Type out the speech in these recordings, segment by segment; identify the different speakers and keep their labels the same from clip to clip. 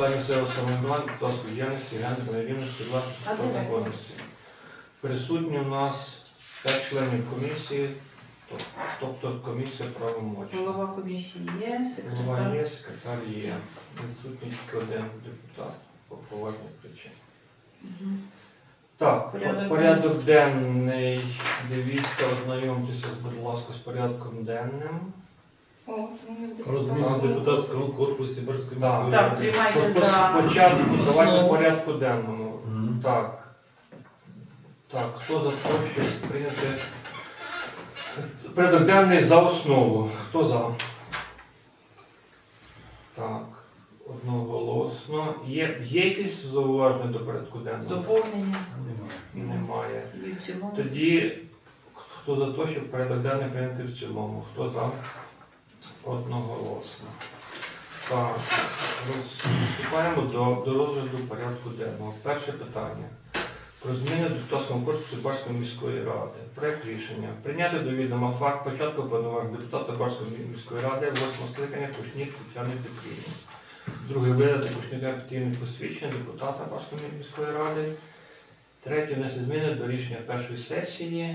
Speaker 1: органів місцевого самоврядування, депутатської діяльності, гендерної рівності, власності
Speaker 2: А
Speaker 1: та
Speaker 2: де ви?
Speaker 1: законності. Присутні у нас 5 членів комісії, тобто комісія правомочна.
Speaker 2: Голова комісії є,
Speaker 1: Голова
Speaker 2: секретар.
Speaker 1: є, секретар є. Відсутній тільки один депутат по поважній причині.
Speaker 2: Мгм.
Speaker 1: Так,
Speaker 2: Порядок
Speaker 1: порядок денний. Дивіться, ознайомтеся, будь ласка, з порядком денним.
Speaker 2: О, зміни в
Speaker 3: Розміну
Speaker 2: депутатському
Speaker 3: депутатського корпусу Берської
Speaker 1: Да.
Speaker 3: міської
Speaker 2: Так,
Speaker 3: ради.
Speaker 2: приймайте за
Speaker 1: Спочатку давайте
Speaker 2: основу.
Speaker 1: порядку денному.
Speaker 3: Мгм.
Speaker 1: Так. Так, хто за те, щоб прийняти порядок денний за основу? Хто за? Так, одноголосно. Є якісь зауваження до порядку денного?
Speaker 2: доповнення
Speaker 3: Немає.
Speaker 1: Немає.
Speaker 2: і в цілому.
Speaker 1: Тоді хто за те, щоб порядок денний прийняти в цілому? Хто за? Одноголосно. Так, приступаємо до розгляду порядку денного. Перше питання. Про зміни до депутатського корпусу Барської міської ради. Проект рішення. Прийняти до відома факт початку повноважень депутата Барської міської ради 8 скликання Кушнір Тетяни Петрівни. Друге, видати Кушніря активних посвідчень депутата Барської міської ради. Третє, внести зміни до рішення першої сесії.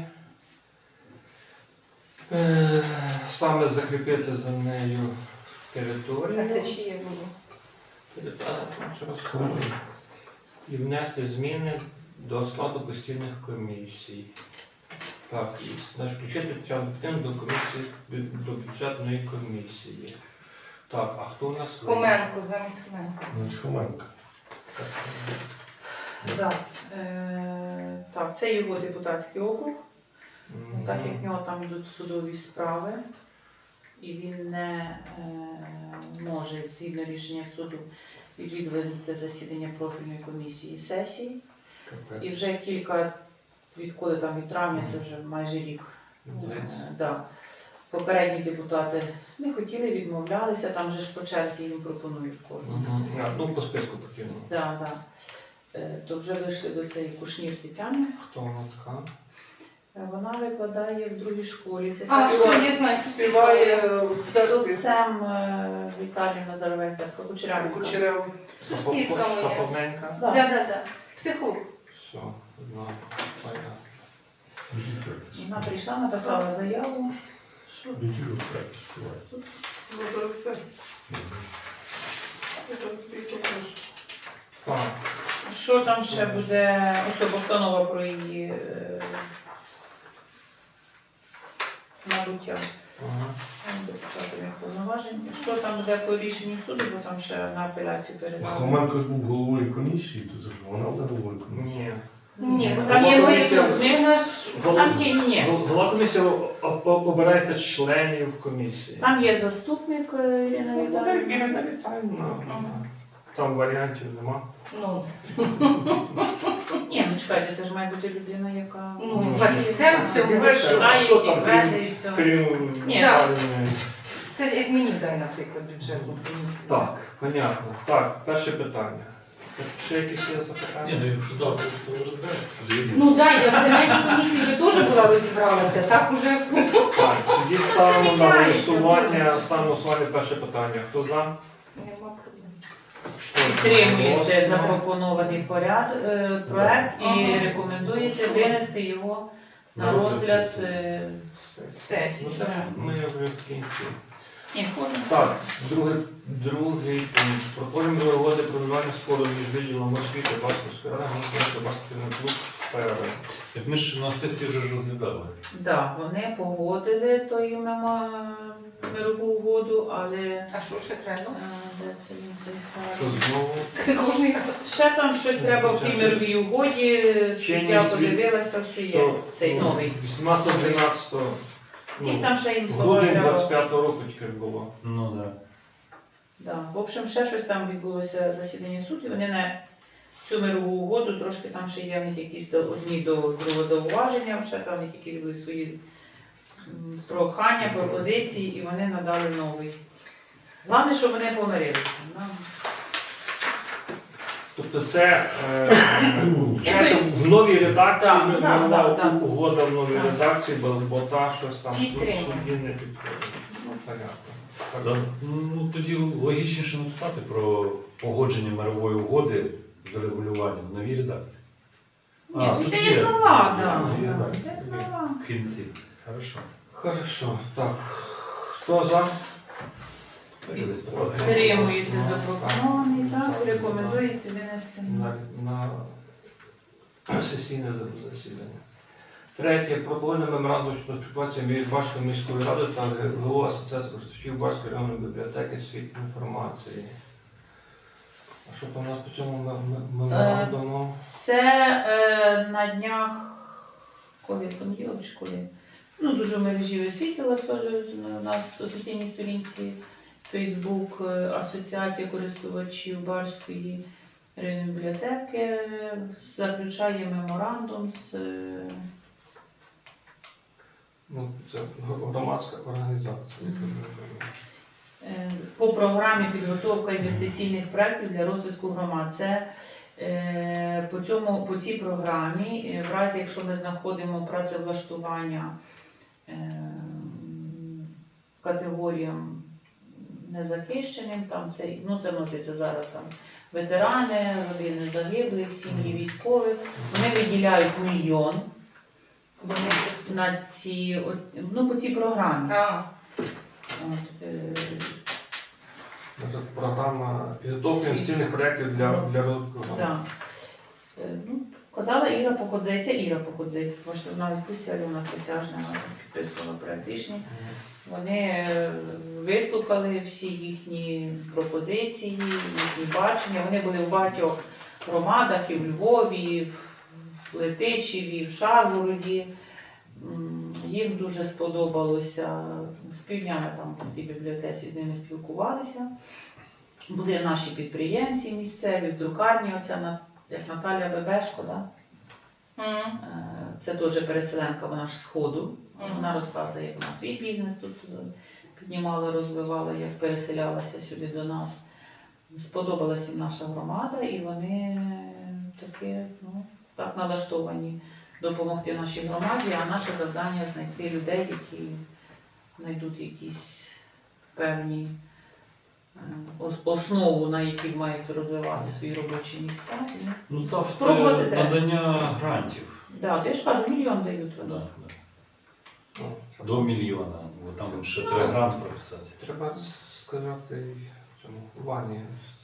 Speaker 1: Саме закріпити за нею територію.
Speaker 2: Це чиє було?
Speaker 1: Ще раз скажу. І внести зміни до складу постійних комісій. Так, і значить, включити Тетяну Петрівну до комісії, до бюджетної комісії. Так, а хто у нас?
Speaker 2: Хоменко, замість Хоменко.
Speaker 3: Хоменко.
Speaker 2: Так. Так, це його депутатський округ.
Speaker 1: Мгм.
Speaker 2: Так як в нього там йдуть судові справи, і він не може, згідно рішення суду, відвідувати засідання профільної комісії сесії.
Speaker 1: Капець.
Speaker 2: І вже відколи там від травня, це вже майже рік. Да. Попередні депутати не хотіли, відмовлялися, там вже ж по черзі їм пропонують кожного.
Speaker 1: Мгм. Ну, по списку потрібно.
Speaker 2: Да, да. То вже вийшли до цієї Кушнір Тетяни.
Speaker 1: Хто вона така?
Speaker 2: Вона викладає в другій школі. Це
Speaker 4: А,
Speaker 2: співає-
Speaker 4: що, я знаю,
Speaker 2: співає за отцем Віталій Назаровець, так, Кучерявенко.
Speaker 4: Сусідка моя.
Speaker 1: Поповненька?
Speaker 2: Да.
Speaker 4: Да. Психолог.
Speaker 1: Все, знаю. Понятно.
Speaker 2: Вона прийшла, написала заяву. Що?
Speaker 1: Так.
Speaker 2: Що там ще буде? Ось постанова про її набуття
Speaker 1: Ага.
Speaker 2: депутатів повноважень. Що там буде по рішенню суду, бо там ще на апеляцію передали.
Speaker 5: Хоменко ж був головою комісії, то це ж вона буде головою комісії.
Speaker 1: Ні.
Speaker 4: Ні,
Speaker 2: Там
Speaker 1: Голова
Speaker 2: є
Speaker 1: комісії-
Speaker 2: заступник, там є, ні.
Speaker 1: Голова комісії обирається членів комісії.
Speaker 2: Там є заступник Ірина Віталіївна.
Speaker 1: Ірина Віталіївна. Там варіантів нема.
Speaker 4: Ну,
Speaker 2: Ні, ну чекайте, це ж має бути людина, яка
Speaker 4: ну, фахівцем в цьому.
Speaker 2: вивчає
Speaker 1: Хто
Speaker 2: ці
Speaker 1: там,
Speaker 2: кведи і все.
Speaker 1: Крім
Speaker 2: Ні.
Speaker 1: Віталіївни.
Speaker 4: Це як мені дай, наприклад, бюджетну комісію.
Speaker 1: Так, понятно. Так, перше питання. Ще якісь є
Speaker 3: Ні,
Speaker 1: запитання?
Speaker 3: ну якщо так, то розбереться.
Speaker 4: Ну так, я в земельній комісії вже теж була розібралася, так уже.
Speaker 1: Так, тоді ставимо на
Speaker 2: Зміняється
Speaker 1: голосування. Ставимо на голосування перше питання. Хто за?
Speaker 4: Нема проблем.
Speaker 2: Підтримуєте
Speaker 1: Голосуємо.
Speaker 2: запропонований проект і
Speaker 4: Ага.
Speaker 2: рекомендуєте винести його на
Speaker 3: На
Speaker 2: розгляд.
Speaker 3: сесію.
Speaker 4: Сесії.
Speaker 1: Ну, це ж ми вже в кінці.
Speaker 2: Ні, ходимо.
Speaker 1: Так, другий пункт. Проходимо угоди про вживання спору між відділом освіти Басківської ради, Гонконгський баскетбольний клуб ПР.
Speaker 3: Як ми ж на сесії вже ж розглядали.
Speaker 2: Да, вони погодили тою мирову угоду, але
Speaker 4: А що ще треба?
Speaker 2: де це він цей
Speaker 1: Що
Speaker 2: файл?
Speaker 1: знову?
Speaker 4: Кожний раз.
Speaker 2: Ще там щось треба в тій мировій угоді, я подивилася, все є,
Speaker 1: Що,
Speaker 2: цей
Speaker 1: ну,
Speaker 2: новий.
Speaker 1: 18-12.
Speaker 2: Якісь там ще їм слова
Speaker 1: Грудень
Speaker 2: треба.
Speaker 1: 25-го року тільки ж було.
Speaker 3: Ну так.
Speaker 2: Да. В общем, ще щось там відбулося засідання суду, і вони на цю мирову угоду, трошки там ще є в них якісь одні до другого зауваження, ще там в них якісь були свої прохання, пропозиції, і вони надали новий. Головне, щоб вони помирилися.
Speaker 1: Тобто це в новій редакції,
Speaker 2: Так, так,
Speaker 1: нова
Speaker 2: так, так.
Speaker 1: угода в новій
Speaker 2: Так.
Speaker 1: редакції, бо та щось там в
Speaker 4: Підтримуємо.
Speaker 1: суді не підходить.
Speaker 2: Ну,
Speaker 1: Понятно.
Speaker 3: Ну, тоді логічніше написати про погодження мирової угоди з регулюванням в новій редакції.
Speaker 2: Ні, тут
Speaker 3: тут
Speaker 2: є нова, да.
Speaker 3: нові
Speaker 2: Да,
Speaker 3: редакції.
Speaker 2: це нова.
Speaker 3: В кінці. Хорошо.
Speaker 1: Хорошо. Так. Хто за?
Speaker 3: Реєструвати.
Speaker 2: Підтримуєте запропонований, так, рекомендуєте винести.
Speaker 1: На сесійне засідання. Третє. Пропонує меморандум щодо співпраці між Башкою міською радою та головою Асоціації користувачів Башкої районної бібліотеки світ інформації. А що там у нас по цьому меморандуму?
Speaker 2: Це на днях, коли понеділок чи коли? Ну, дуже в мережі висвітлилось теж на нас офіційній сторінці Фейсбук Асоціація користувачів Барської районної бібліотеки заключає меморандум з
Speaker 1: Ну, це громадська організація.
Speaker 2: по програмі підготовка інвестиційних проєктів для розвитку громад. Це по цій програмі, в разі якщо ми знаходимо працевлаштування категоріям незахищеним, там це вноситься зараз там ветерани, родини загиблих, сім'ї військових. Вони виділяють 1 мільйон на по цій програмі. От,
Speaker 1: Програма підготовки інвестиційних проєктів для розвитку громад.
Speaker 2: да. Ну, казала Іра Походзей, це Іра Походзей, тому що вона відпустила, вона присяжна, вона підписувала проєкт рішення. Вони вислухали всі їхні пропозиції, їхні бачення. Вони були в багатьох громадах, і в Львові, і в Летичеві, і в Шаргороді. Їм дуже сподобалося. З півдня ми там в тій бібліотеці з ними спілкувалися. Були наші підприємці місцеві, з друкарні, оця як Наталя Бебешко, да? Це теж переселенка, вона ж з Сходу. Вона розказує, як вона свій бізнес тут піднімала, розвивала, як переселялася сюди до нас. Сподобалася їм наша громада, і вони таки, так налаштовані допомогти нашій громаді, а наше завдання знайти людей, які знайдуть якісь певні основу, на якій мають розвивати свої робочі місця.
Speaker 3: Ну, це
Speaker 2: Спробувати треба.
Speaker 3: надання грантів.
Speaker 2: Так, то я ж кажу, 1 мільйон дають
Speaker 3: Да,
Speaker 2: вони.
Speaker 3: да.
Speaker 1: Ну,
Speaker 3: До 1 мільйона. Бо там ще треба грант прописати.
Speaker 1: Треба сказати цьому Вані.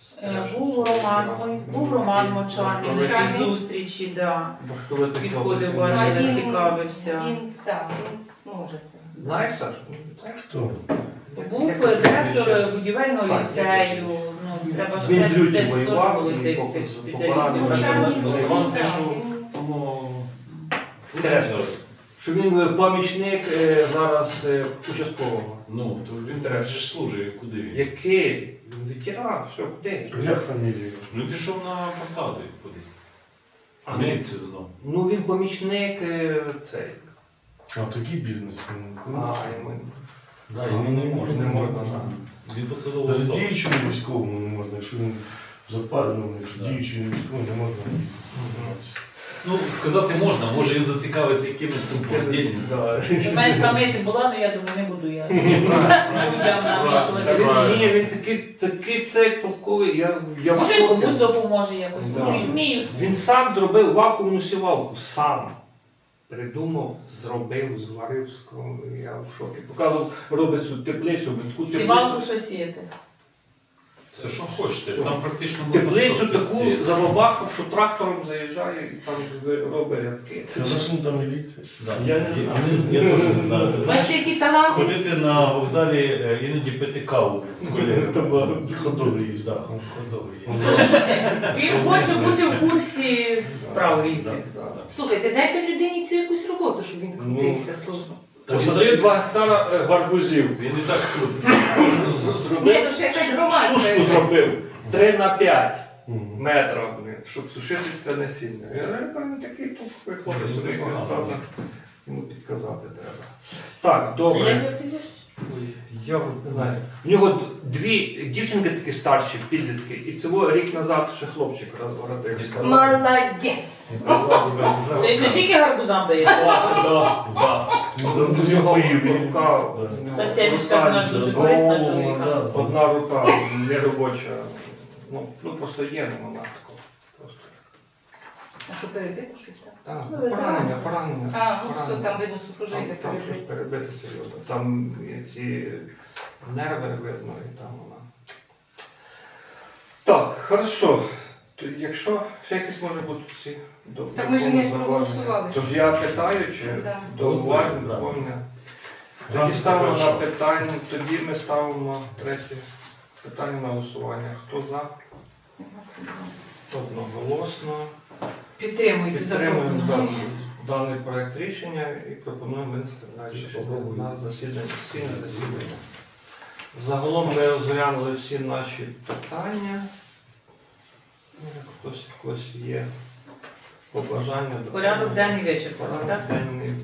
Speaker 2: Був Роман Мочарний на цій
Speaker 4: Мочарний.
Speaker 2: зустрічі, да.
Speaker 1: Баштовити
Speaker 2: Підходив,
Speaker 1: хлопець.
Speaker 2: бачив,
Speaker 4: Він-
Speaker 2: цікавився.
Speaker 4: Він зможе це.
Speaker 1: Знаєш, Саш?
Speaker 5: Хто?
Speaker 2: Був директор будівельного ліцею, треба ж
Speaker 1: Він
Speaker 2: теж
Speaker 1: в люті
Speaker 2: десь
Speaker 1: воював,
Speaker 2: теж були
Speaker 1: і
Speaker 2: тих
Speaker 1: по-
Speaker 2: цих
Speaker 1: по
Speaker 2: спеціалістів.
Speaker 1: пораненням
Speaker 2: працювати.
Speaker 1: були.
Speaker 3: Іван це
Speaker 4: Так,
Speaker 3: що
Speaker 4: він-
Speaker 3: тому
Speaker 1: Директор.
Speaker 3: зараз.
Speaker 1: Що він помічник зараз участкового.
Speaker 3: Ну, то він теж ж служить, куди він?
Speaker 1: Який? Він ветеран, все, куди?
Speaker 5: Як фамілія?
Speaker 3: Ну, пішов на посаду кудись.
Speaker 1: А,
Speaker 3: В міліцію знову.
Speaker 1: Ну він помічник цей.
Speaker 5: А такий бізнес.
Speaker 1: Ми...
Speaker 3: Да,
Speaker 5: Ну,
Speaker 3: йому
Speaker 5: не можна,
Speaker 1: не можна,
Speaker 3: Він посадовий
Speaker 5: Навіть
Speaker 3: особа.
Speaker 5: діючому військовому не можна, якщо він западений, якщо
Speaker 3: Да.
Speaker 5: діючому військовому не можна.
Speaker 3: Ну, сказати можна, може він зацікавиться якимось там подільним.
Speaker 2: У мене така мисль була, але я думаю, не буду я. Людям навішувати.
Speaker 3: Правильно.
Speaker 1: Ні, він такий цей толковий. Я
Speaker 2: Може,
Speaker 1: в
Speaker 2: комусь
Speaker 1: шокі.
Speaker 2: допоможе якось.
Speaker 1: Да.
Speaker 2: Може, вмію.
Speaker 1: Він сам зробив вакуумну сівалку. Сам. Придумав, зробив, зварив. Я в шокі. Поки робить цю теплицю, він таку
Speaker 2: Сівалку
Speaker 1: теплицю.
Speaker 2: що сіяти.
Speaker 3: Все, що хочете.
Speaker 1: Все.
Speaker 3: Там практично можна
Speaker 1: Теплицю
Speaker 3: все
Speaker 1: таку
Speaker 3: сіяти.
Speaker 1: забабахав, що трактором заїжджає і там робить рядки.
Speaker 5: Це зовсім там міліція.
Speaker 3: Да.
Speaker 1: Я не знаю.
Speaker 3: Я теж не знаю. Ти знаєш,
Speaker 4: Бачите, які таланти?
Speaker 3: ходити на вокзалі іноді пити каву з колегами.
Speaker 5: Ходовий їсть.
Speaker 3: Да, ходовий є.
Speaker 2: Він хоче бути в курсі справ різних.
Speaker 4: Слухайте, дайте людині цю якусь роботу, щоб він крутився. слухай.
Speaker 1: Посадив 2 гектара гарбузів.
Speaker 3: Він і так крутиться.
Speaker 4: Ні, ну ще якась громадська.
Speaker 1: Сушку зробив 3х5
Speaker 5: Мгм.
Speaker 1: метра, щоб сушити це насіння. Я кажу, такий тут хлопець, правда, йому підказати треба. Так,
Speaker 2: Як
Speaker 1: добре.
Speaker 2: його прізвище?
Speaker 3: Я
Speaker 1: Не знаю. В нього дві дівчинки такі старші, підлітки, і цього рік назад ще хлопчик родився.
Speaker 4: Молодець.
Speaker 2: Ти не тільки гарбузам даєш,
Speaker 5: Ну, з нього поїв.
Speaker 1: Рука,
Speaker 2: та сімечка ж вона ж дуже корисна чоловіка.
Speaker 1: одна рука не робоча. Ну просто є, нема такого. Просто.
Speaker 4: А що перебито щось там?
Speaker 1: Так,
Speaker 2: Ну,
Speaker 1: поранення.
Speaker 4: А, ну все, там видно сухожилля
Speaker 1: Там щось
Speaker 4: перебито.
Speaker 1: перебите серйозно. Там і ці нерви видно, і там вона. Так, хорошо. То якщо ще якісь може бути ці до
Speaker 4: Так ми ж не
Speaker 1: зауваження?
Speaker 4: проголосували.
Speaker 1: Тож я питаю, чи
Speaker 4: Да.
Speaker 1: до уваги,
Speaker 3: Да.
Speaker 1: доповнення. Тоді
Speaker 3: Гранти
Speaker 1: ставимо на
Speaker 3: завершили.
Speaker 1: питання, тоді ми ставимо третє питання на голосування. Хто за? Одноголосно.
Speaker 2: Підтримуйте
Speaker 1: Підтримуємо
Speaker 2: законно.
Speaker 1: даний проект рішення і пропонуємо винести далі на засідання. Загалом ми розглянули всі наші питання. Хтось когось є побажання.
Speaker 2: Порядок денний вичерпаний,
Speaker 1: Порядок
Speaker 2: так?
Speaker 1: денний